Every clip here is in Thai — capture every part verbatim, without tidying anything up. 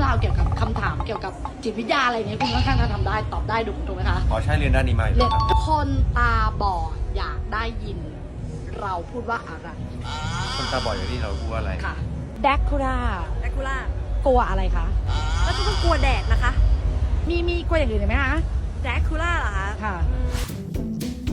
ราวเกี่ยวกับคำถามเกี่ยวกับจิตวิทยาอะไรเงี้ยคุณค่อนข้างจะทำได้ตอบได้ถูกไหมคะอ๋อใช่เรียนด้านนี้มาอยู่เรียนครับคนตาบอดอยากได้ยิน เราพูดว่าอะไรคนตาบอดอย่างที่เราพูดว่าอะไรค่ะแดกคูล่าแดกคูล่ากลัวอะไรคะแล้วก็ต้องกลัวแดดนะคะมีมีกลัวอย่างอื่นอีกไหมคะแดกคูล่าเหรอคะค่ะอืม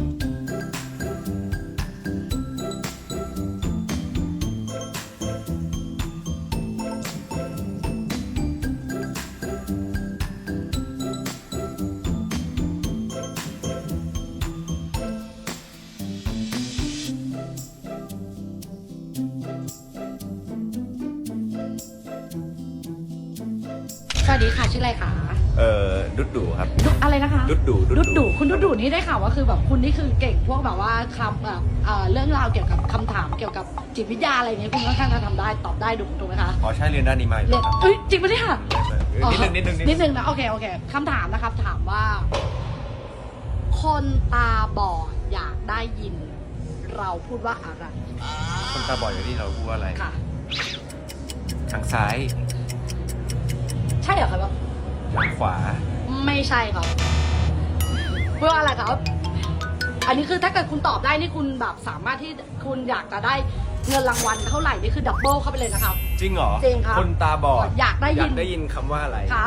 สวัสดีค่ะชื่ออะไรคะเอ่อดุดดูครับดุอะไรนะคะดุดดูดุดดุคุณดุดดุนี่ได้ข่าวว่าคือแบบคุณนี่คือเก่งพวกแบบว่าคำแบบเอ่อเรื่องราวเกี่ยวกับคำถามเกี่ยวกับจิตวิทยาอะไรเงี้ยคุณค่อนข้างจะทำได้ตอบได้ถูกไหมคะอ๋อใช่เรียนด้านนี้มาอยู่เรียนครับเอ้ยจริงปะเนี่ยเออนิดนึงนิดนึงนิดนึงนะโอเคโอเคคำถามนะครับถามว่า คนตาบอดอยากได้ยิน เราพูดว่าอะไรคนตาบอดอย่างที่เราพูดว่าอะไรค่ะทางซ้ายใช่เหรอครับทางขวาไม่ใช่ครับพูดว่าอะไรครับ อันนี้คือถ้าเกิดคุณตอบได้นี่คุณแบบสามารถที่คุณอยากจะได้เงินรางวัลเท่าไหร่นี่คือดับเบิลเข้าไปเลยนะครับจริงเหรอจริงครับคนตาบอดอยากได้ยินอยากได้ยินคำว่าอะไรครับ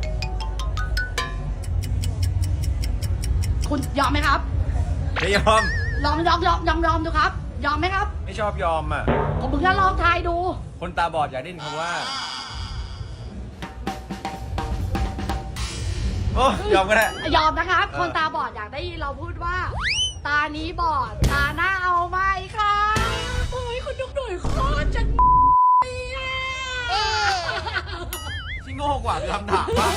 คุณยอมไหมครับไม่ยอมลองยอมยอมยอมยอมดูครับ ยอมไหมครับไม่ชอบยอมอ่ะผมมึงจะลองทายดูคนตาบอดอยากได้ยินคำว่าโอ้ยอมก็ได้ยอมนะครับเออคนตาบอดอยากได้ยินเราพูดว่า ตานี้บอด ตาหน้าเอาไหมคะโอ้ยคุณดุกดุยโคตรจะเนี่ยที่โง่กว่าคือคำถามว่า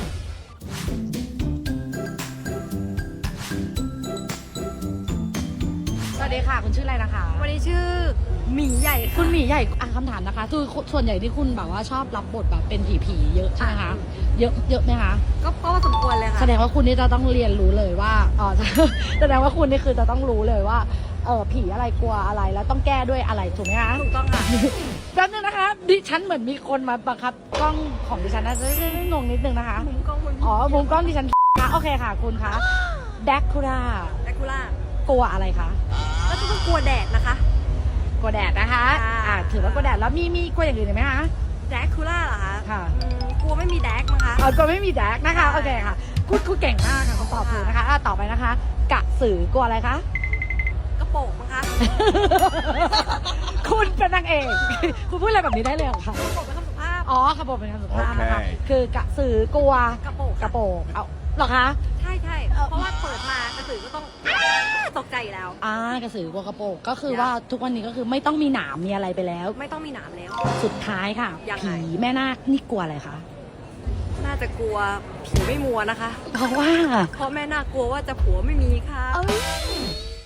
สวัสดีค่ะ คุณชื่ออะไรนะคะวันนี้ชื่อหมีใหญ่ค่ะคุณหมีใหญ่อ่ะคำถามนะคะ คือส่วนใหญ่ที่คุณแบบว่าชอบรับบทแบบเป็นผีผีๆเยอะใช่ไหมคะ เยอะเยอะไหมคะก็ก็สมควรเลยค่ะแสดงว่าคุณนี่จะต้องเรียนรู้เลยว่าอ๋อ แสดงว่าคุณนี่คือจะต้องรู้เลยว่าเออผีอะไรกลัวอะไรแล้วต้องแก้ด้วยอะไรถูกไหมคะถูกต้องค่ะแป๊บนึงนะคะดิฉันเหมือนมีคนมาบังคับกล้องของดิฉันนะจะงงนิดนึงนะคะมุมกล้องมุมอ๋อมุมกล้องดิฉันค่ะโอเคค่ะคุณคะแดกคูล่าแดกคูล่ากลัวอะไรคะแล้วก็ต้องกลัวแดดนะคะกลัวแดดนะคะค่ะอ่าถือว่ากลัวแดดแล้วมีมีกลัวอย่างอื่นอีกไหมคะแดกคูล่าเหรอคะค่ะอืมกลัวไม่มีแดกมั้งคะเออกลัวไม่มีแดกนะคะค่ะโอเคค่ะคุณคุณเก่งมากค่ะคุณตอบถูกนะคะอ่ะต่อไปนะคะ กะสือกลัวอะไรคะกระโปรงมั้งคะคุณเป็นนางเอก คุณพูดอะไรแบบนี้ได้เลยเหรอคะกระโปรงเป็นคำสุภาพอ๋อขบวนเป็นคำสุภาพนะคะโอเคคือกะสือกลัวกระโปรงกระโปรงเอาเหรอคะใช่ใช่เอ่อเพราะว่าเปิดมากระสือก็ต้องตกใจอยู่แล้วอ่ากระสือกลัวกระโปรงก็คือว่าทุกวันนี้ก็คือไม่ต้องมีหนามมีอะไรไปแล้วไม่ต้องมีหนามแล้วสุดท้ายค่ะยังไงผีแม่นาคนี่กลัวอะไรคะน่าจะกลัวผีไม่มัวนะคะเพราะว่าเพราะแม่น่ากลัวว่าจะผัวไม่มีค่ะเอ้ย